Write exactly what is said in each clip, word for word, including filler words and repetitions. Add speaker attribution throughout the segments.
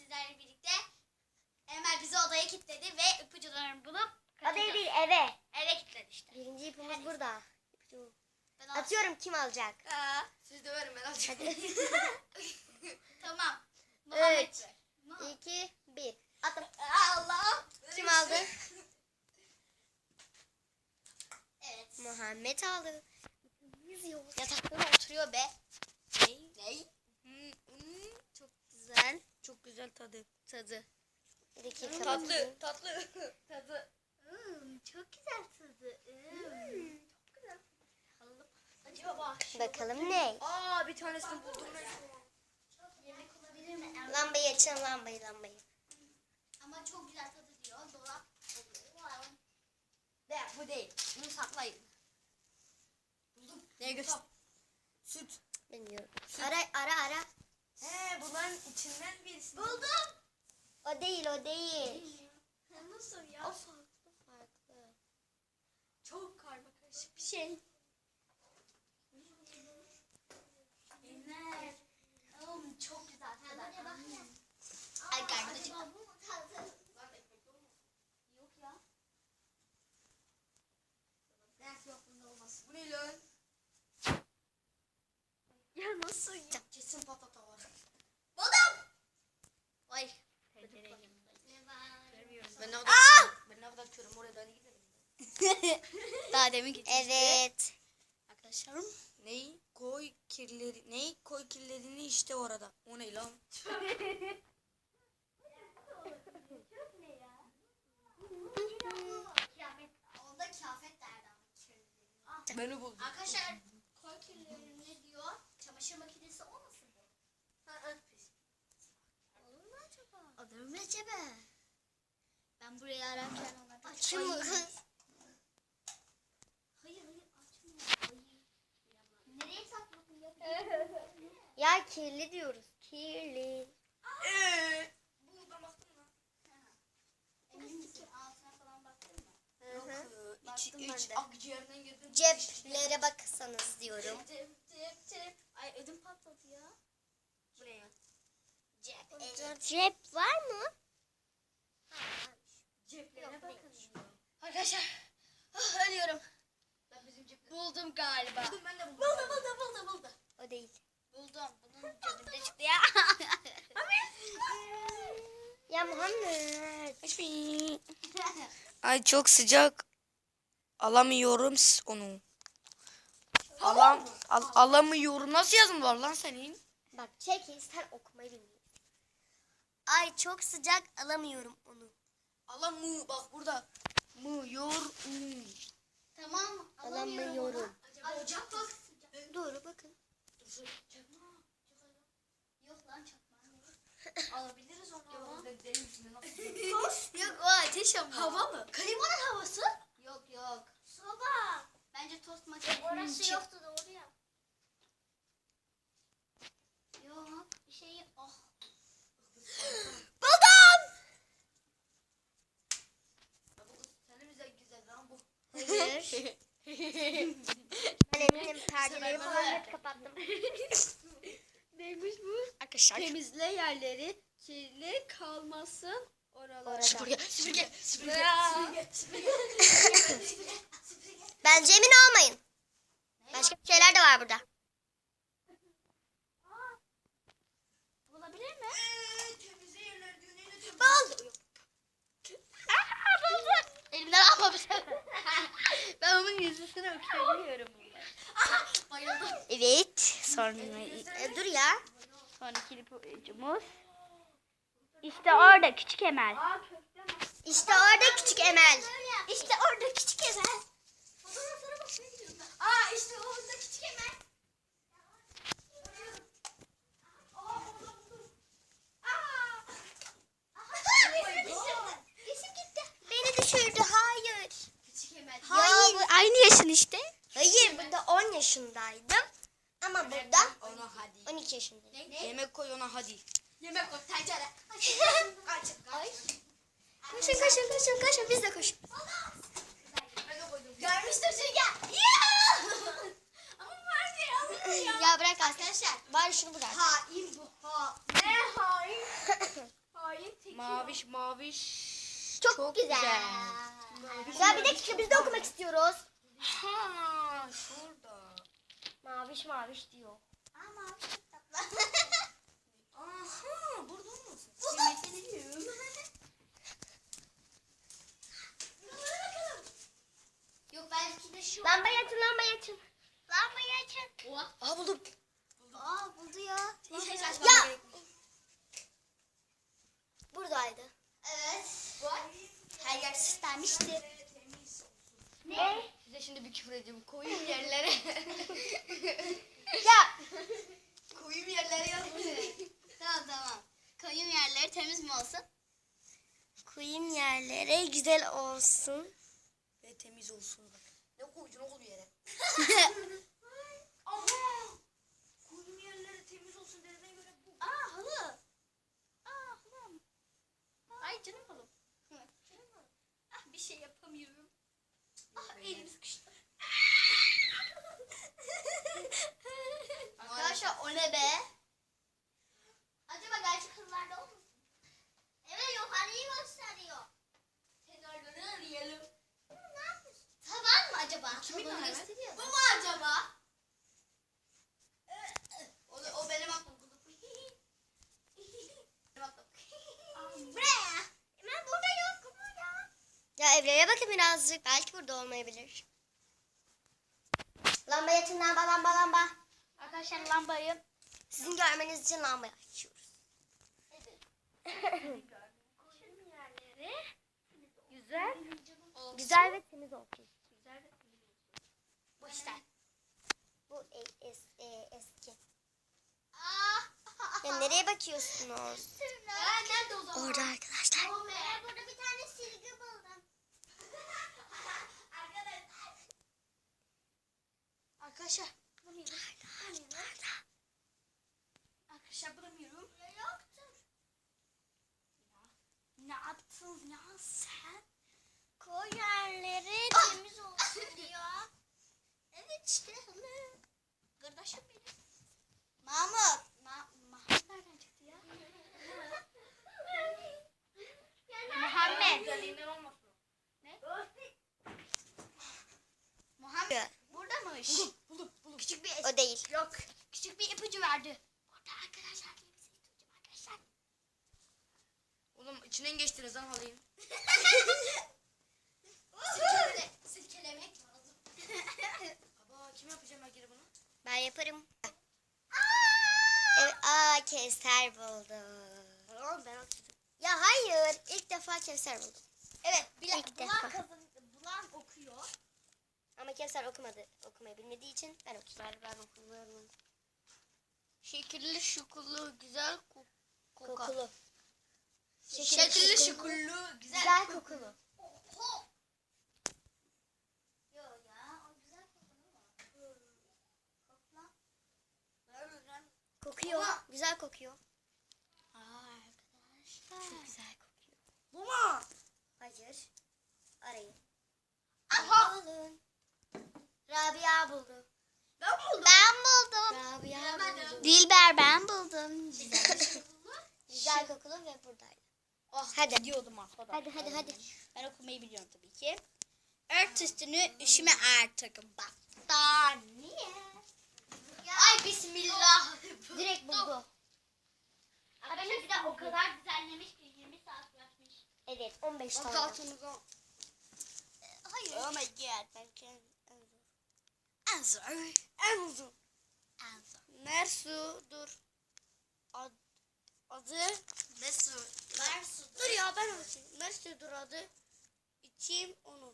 Speaker 1: sizlerle birlikte. Emel bizi odaya kilitledi ve ipucularını bulup
Speaker 2: Odaya değil, eve.
Speaker 1: eve kilitledi işte.
Speaker 2: Birinci ipimiz burada. İpucu.
Speaker 1: Ben
Speaker 2: Atıyorum, kim alacak?
Speaker 1: Aa,
Speaker 3: Siz de verin ben alacağım.
Speaker 1: tamam. Muhammed.
Speaker 2: Üç,
Speaker 1: Muhammed.
Speaker 2: iki, bir. Attım.
Speaker 1: Allah.
Speaker 2: Kim aldı?
Speaker 1: Evet.
Speaker 2: Muhammed aldı. Yüzüyor.
Speaker 1: Yatakta oturuyor be.
Speaker 2: Ney?
Speaker 1: Ney?
Speaker 2: Hmm, hmm, çok güzel.
Speaker 3: Çok güzel tadı.
Speaker 2: Tadı. Bir dakika.
Speaker 3: Tatlı, tatlı.
Speaker 1: Tadı. Hmm, çok güzel tadı. Hmm. Çok güzel. Alalım. Acaba
Speaker 2: Bakalım ne?
Speaker 3: Aa bir tanesini buldum.
Speaker 1: yemek olabilir mi? Emel?
Speaker 2: Lambayı açın, lambayı, lambayı.
Speaker 1: Ama çok güzel tadı diyor. Dolap oluyor.
Speaker 3: De bu değil. Bunu saklayın. Buldum. Neye göster? Süt.
Speaker 2: Bilmiyorum. Ara, ara, ara.
Speaker 3: He bunların içinden birisi.
Speaker 1: Buldum.
Speaker 2: O değil, o değil.
Speaker 1: Nasıl
Speaker 2: O
Speaker 1: ya?
Speaker 2: farklı, farklı.
Speaker 1: Çok karma karışık bir şey. Emel. Oğlum çok güzel tadı. Ay karnım Yok ya.
Speaker 3: Belki yok bunda olmaz. Bu ne lan?
Speaker 1: Ya nasıl ya?
Speaker 3: Kesin patata var.
Speaker 1: Buldum. Ay.
Speaker 3: Ben ne kadar açıyorum? Ben ne kadar açıyorum oraya da hadi gidelim.
Speaker 1: Daha demin gitmişti.
Speaker 2: Evet.
Speaker 1: Arkadaşlarım.
Speaker 3: Neyi? Koy kirleri. Neyi? Koy kirlerini işte orada. O ne lan?
Speaker 1: Kıyafet. Onda kıyafet derdi ama.
Speaker 3: Beni buldum.
Speaker 1: Arkadaşlar koy kirlerini ne diyor? Çamaşır makinesi olmasın bu? Olur mu acaba? Olur mu acaba? Ben burayı ararken onlardan...
Speaker 2: Açın mı kız?
Speaker 1: Hayır hayır açmıyor. Hayır. Nereye sakladın ya?
Speaker 2: Ya kirli diyoruz. Kirli.
Speaker 3: Eee. Bu ben baktım lan.
Speaker 1: Emin misin? Altına falan baktın mı?
Speaker 3: Yok. e, İç,
Speaker 2: Baktım ben
Speaker 3: iç
Speaker 2: de.
Speaker 3: akciğerinden girdim.
Speaker 2: Ceplere baksanız diyorum.
Speaker 1: Cep cep cep. Ay ödüm patladı ya.
Speaker 3: Bu ne ya?
Speaker 1: Cep.
Speaker 2: Cep var mı?
Speaker 1: Ceplere bakın. Arkadaşlar. Ah, ölüyorum.
Speaker 3: Ben bizim cepte.
Speaker 1: Buldum galiba.
Speaker 3: Buldum ben de buldum.
Speaker 1: Buldum buldum buldum buldum.
Speaker 2: O değil.
Speaker 1: Buldum. Bunun cebinde çıktı ya.
Speaker 2: Ya Muhammed.
Speaker 3: Ay çok sıcak. Alamıyorum s- onu. Alam al, alamıyorum. Nasıl yazım var lan senin?
Speaker 2: Bak çekil, sen okumayı bilmiyorsun. Ay çok sıcak, alamıyorum onu.
Speaker 3: Alamı bak burada. Mı yor mu.
Speaker 1: Tamam.
Speaker 2: Alamıyorum.
Speaker 1: Ay çok bak.
Speaker 2: Dur bakın.
Speaker 1: Yok lan çakmağım yok. Alabiliriz onu ama.
Speaker 3: Yok
Speaker 1: Yok o ateş ama.
Speaker 3: hava mı?
Speaker 1: Klimanın havası? Yok yok. Soba. Bence tost makinesinin
Speaker 2: Orası
Speaker 1: içi.
Speaker 2: yoktu doğru ya.
Speaker 1: Yok bir şey oh.
Speaker 3: Senin güzel güzel lan bu.
Speaker 2: Hayır. Ben eminim perdeleri falan hep kapattım.
Speaker 1: Neymiş bu?
Speaker 3: Arkadaşlar.
Speaker 1: Temizle yerleri kirli kalmasın oralarda.
Speaker 2: Orada.
Speaker 3: Süpürge, süpürge, süpürge,
Speaker 1: Ya.
Speaker 3: süpürge, süpürge.
Speaker 2: Bence emin olmayın. Başka şeyler de var burada.
Speaker 1: Bulabilir mi?
Speaker 3: Temizle yerler diyor. Neyle temizle?
Speaker 1: Bul. Elimden alma bir şey. Ben onun yüzüsünü okuyabiliyorum. Bayıldım.
Speaker 2: Evet. Sonra E, dur ya.
Speaker 1: Sonraki ipucumuz. İşte orada küçük Emel.
Speaker 2: İşte orada küçük Emel.
Speaker 1: İşte orada küçük Emel. Aa işte orada küçük Emel.
Speaker 2: Yeşim gitti. Beni düşürdü. Hayır.
Speaker 1: Küçük Emel.
Speaker 2: Hayır.
Speaker 1: Ya bu aynı yaşın işte.
Speaker 2: Hayır, burada on yaşındaydım. Ama burada
Speaker 3: Ona hadi.
Speaker 2: on iki yaşındayım.
Speaker 3: Yemek koy ona hadi.
Speaker 1: Yemek o tencere.
Speaker 3: Kaç, kaç.
Speaker 2: Koşun koşun koşun koşun, biz de koşun.
Speaker 3: Ben de koydum.
Speaker 1: Görmüştür Sürgen. Ama vardı ya.
Speaker 2: Ya bırak arkadaşlar. Bari şunu bırak.
Speaker 1: Hain bu ha. Ne hain?
Speaker 3: Maviş maviş.
Speaker 2: Çok, güzel.
Speaker 3: Maviş,
Speaker 2: Ya bir
Speaker 3: maviş.
Speaker 2: dakika biz de okumak istiyoruz.
Speaker 3: Ha, şurada.
Speaker 2: Maviş maviş diyor.
Speaker 1: Aa mavi çok tatlı.
Speaker 3: Aha, burada olmasın.
Speaker 1: Yok belki de şu.
Speaker 2: Lambayı açın lambayı açın.
Speaker 1: Lambayı açın. Oha.
Speaker 3: Aa buldum.
Speaker 1: Aa buldu ya.
Speaker 2: Ya. Buradaydı.
Speaker 1: Evet. Her yer süslenmişti.
Speaker 2: Ne?
Speaker 3: Size şimdi bir küfür edeceğim. Koyayım yerlere.
Speaker 2: Ya.
Speaker 3: Koyayım yerlere yazmış.
Speaker 1: Tamam tamam. Koyun yerleri temiz mi olsun?
Speaker 2: Koyayım yerlere güzel olsun.
Speaker 3: Ve temiz olsun bak. Ne koydun oğlum yere? Aha! Koyayım yerlere temiz olsun dediğine göre bu.
Speaker 1: Aa halı. Aa halım. Ay canım halım. Canım halım. Ah bir şey yapamıyorum. Ah elim sıkıştı. Arkadaşlar o ne be? Acaba gerçek halılarda olmasın? Evet yukarıyı gösteriyor. Kenarları arayalım. Ne yapıyorsun? Tavan mı acaba?
Speaker 3: Kimin
Speaker 1: Tavanı
Speaker 3: tavanı?
Speaker 1: gösteriyor. Bu mu acaba? O, o benim aklım. Benim aklım. Buraya. Ben burada yokum ya.
Speaker 2: Ya Evre'ye bakın birazcık. Belki burada olmayabilir. Lambayı açın lamba lamba lamba.
Speaker 1: Arkadaşlar lambayı.
Speaker 2: Sizin görmeniz için lambayı açıyoruz.
Speaker 1: Koyun yerleri.
Speaker 2: Güzel.
Speaker 1: Olsun.
Speaker 2: Güzel ve temiz olsun.
Speaker 1: Güzel ve temiz olsun. Bu işte.
Speaker 2: Bu e- es- e- eski.
Speaker 1: Ah.
Speaker 2: Ya nereye bakıyorsunuz?
Speaker 1: Ya nerede o zaman?
Speaker 2: Orada arkadaşlar.
Speaker 1: Ben burada bir tane silgi buldum. Arkadaşlar. Arkadaşlar. Bulamıyorum. Bulamıyorum. Arkadaşlar bulamıyorum. Ya yoktur. Ya, ne yaptın ya sen? Koy yerleri temiz olsun diyor. Evet işte halı. Kardeşim benim. Mahmut. Ma Mahmut nereden çıktı ya? Muhammed. Ne? Muhammed. Buradaymış.
Speaker 3: Buldum buldum.
Speaker 1: Küçük bir
Speaker 2: O değil.
Speaker 1: Yok. Küçük bir ipucu verdi. Burada arkadaşlar diye bir ipucu arkadaşlar.
Speaker 3: Oğlum içinden geçtiniz lan halıyı.
Speaker 1: Silkele, silkelemek lazım.
Speaker 3: Baba kim yapacağım ben geri bunu?
Speaker 2: Ben yaparım. Evet, aa Kevser buldum.
Speaker 1: Oğlum ben okudum.
Speaker 2: Ya hayır. İlk defa Kevser buldum.
Speaker 1: Evet. Bile,
Speaker 2: İlk
Speaker 1: bulan,
Speaker 2: defa.
Speaker 1: kazan, bulan okuyor.
Speaker 2: Ama Kevser okumadı. Okumayı bilmediği için ben okudum.
Speaker 1: Ben, ben okumuyorum. Şekilli şukullu güzel ko koka.
Speaker 2: Kokulu.
Speaker 1: Şekilli şukullu güzel.
Speaker 2: Güzel kokulu.
Speaker 1: Oho. Yo ya o güzel kokulu mu? Kokla.
Speaker 2: Kokuyor.
Speaker 1: Ama-
Speaker 2: Güzel kokuyor.
Speaker 1: Aa arkadaşlar.
Speaker 2: Çok güzel kokuyor.
Speaker 3: Bu mu?
Speaker 2: Hayır. Arayın.
Speaker 1: Aha.
Speaker 2: Alın. Rabia buldu.
Speaker 1: Ben buldum. Ben buldum.
Speaker 2: Rabia
Speaker 1: Bilemedim.
Speaker 2: buldu.
Speaker 1: Dilber ben buldum.
Speaker 2: Güzel. Güzel kokulu ve buradaydı.
Speaker 1: Oh,
Speaker 2: Hadi.
Speaker 1: Gidiyordum aslında.
Speaker 2: Hadi hadi hadi.
Speaker 1: Ben okumayı biliyorum tabii ki. Ört üstünü üşüme artık. Battaniye. Ay bismillah.
Speaker 2: Direkt buldu.
Speaker 1: Arkadaşlar bir de o kadar düzenlemiş ki yirmi saat bırakmış.
Speaker 2: Evet on beş tane.
Speaker 3: Altımıza.
Speaker 1: Hayır. Oh my god. Ben kendim en zor.
Speaker 3: En uzun.
Speaker 1: En zor.
Speaker 3: Mersu dur. Ad, adı.
Speaker 1: Mesut. Mesut.
Speaker 3: Dur ya ben okuyayım. Mersu dur adı. İçeyim onu.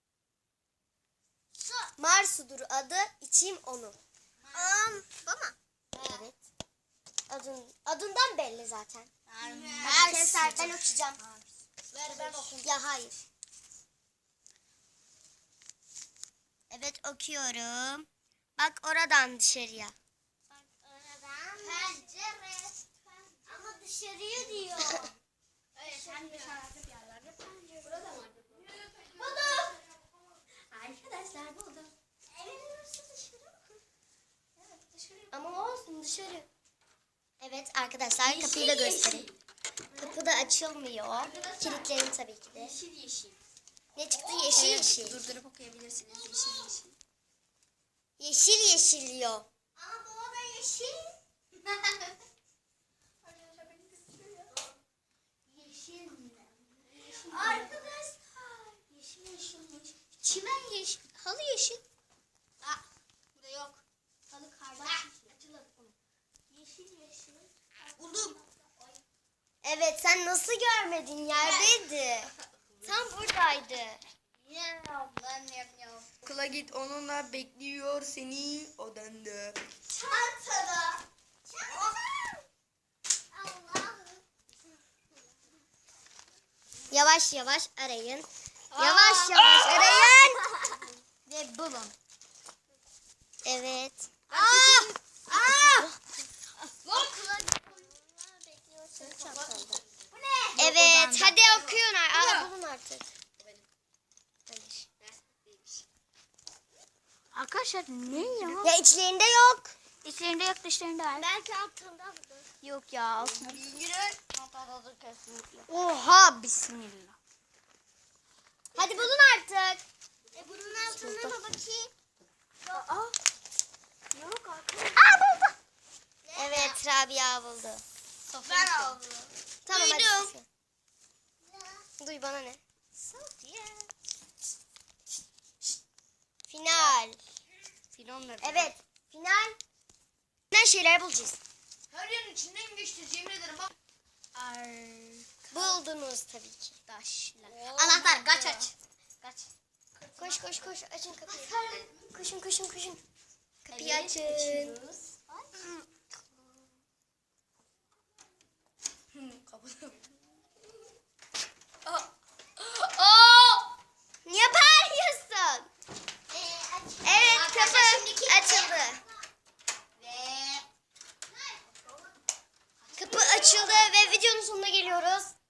Speaker 1: Su.
Speaker 2: Marsu'dur adı. İçeyim onu.
Speaker 1: Um, bu mu?
Speaker 2: Evet. Adın, adından belli zaten.
Speaker 1: Hadi
Speaker 2: Kevser ben okuyacağım.
Speaker 1: Ver ben okuyayım.
Speaker 2: Ya hayır. Evet okuyorum. Bak oradan dışarıya.
Speaker 1: Pencere. Ama dışarıya diyor. Evet sen dışarıda bir yerlerde pencere. Burada mı? Buldum. Arkadaşlar buldum. Evet burası dışarı mı? Evet dışarı.
Speaker 2: Ama olsun dışarı. Evet arkadaşlar kapıyı da göstereyim. Kapı da açılmıyor. Kilitledim tabii ki de.
Speaker 1: Yeşil yeşil.
Speaker 2: Ne çıktı? Yeşil yeşil.
Speaker 1: Durdurup okuyabilirsiniz. Yeşil yeşil.
Speaker 2: Yeşil yeşil diyor.
Speaker 1: Ama bu da yeşil. Yeşil mi? Arkadaşlar. Yeşil yeşil yeşil. Çimen yeşil. Halı yeşil. Aa, burada yok. Halı kardan yeşil. Açılır. Yeşil yeşil. Buldum.
Speaker 2: Evet, sen nasıl görmedin? Yerdeydi. Tam buradaydı.
Speaker 3: Okula git, onunla bekliyor seni odanda.
Speaker 1: Çantada. Allah'ım.
Speaker 2: Yavaş yavaş arayın. Yavaş yavaş arayın.
Speaker 1: Ve bulun.
Speaker 2: Evet.
Speaker 1: Aa! Aa! Bu ne?
Speaker 2: Evet, hadi okuyun. Aa, bulun artık. Hayır.
Speaker 1: Arkadaşlar ne ya?
Speaker 2: Ya içlerinde yok.
Speaker 1: İçlerinde yok, dışlarında var.
Speaker 2: Belki altında.
Speaker 1: Yok ya, altında.
Speaker 2: Oha, bismillah. Hadi bulun artık. E bunun altında mı bakayım?
Speaker 1: Aa. Yok arkadaşlar.
Speaker 2: Aa, buldu. Evet, Rabia buldu.
Speaker 1: Ben aldım.
Speaker 2: Tamam, hadi
Speaker 1: Duydum.
Speaker 2: siz. Duy, bana ne? Final. Evet, final. Ne şeyler bulacağız.
Speaker 3: Her yerin içinden geçti, yemin ederim bak.
Speaker 2: Buldunuz tabii ki.
Speaker 1: Arkadaşlar. Anahtar, kaç aç. Kaç.
Speaker 2: Koş koş koş, açın kapıyı. Koşun koşun koşun. Kapıyı
Speaker 1: Evet,
Speaker 2: açın.
Speaker 1: açıyoruz.
Speaker 3: Kapıda. Aa! Aa!
Speaker 2: Niye bağırıyorsun? Evet, kapı açıldı.
Speaker 1: Ve
Speaker 2: Kapı açıldı ve videonun sonuna geliyoruz.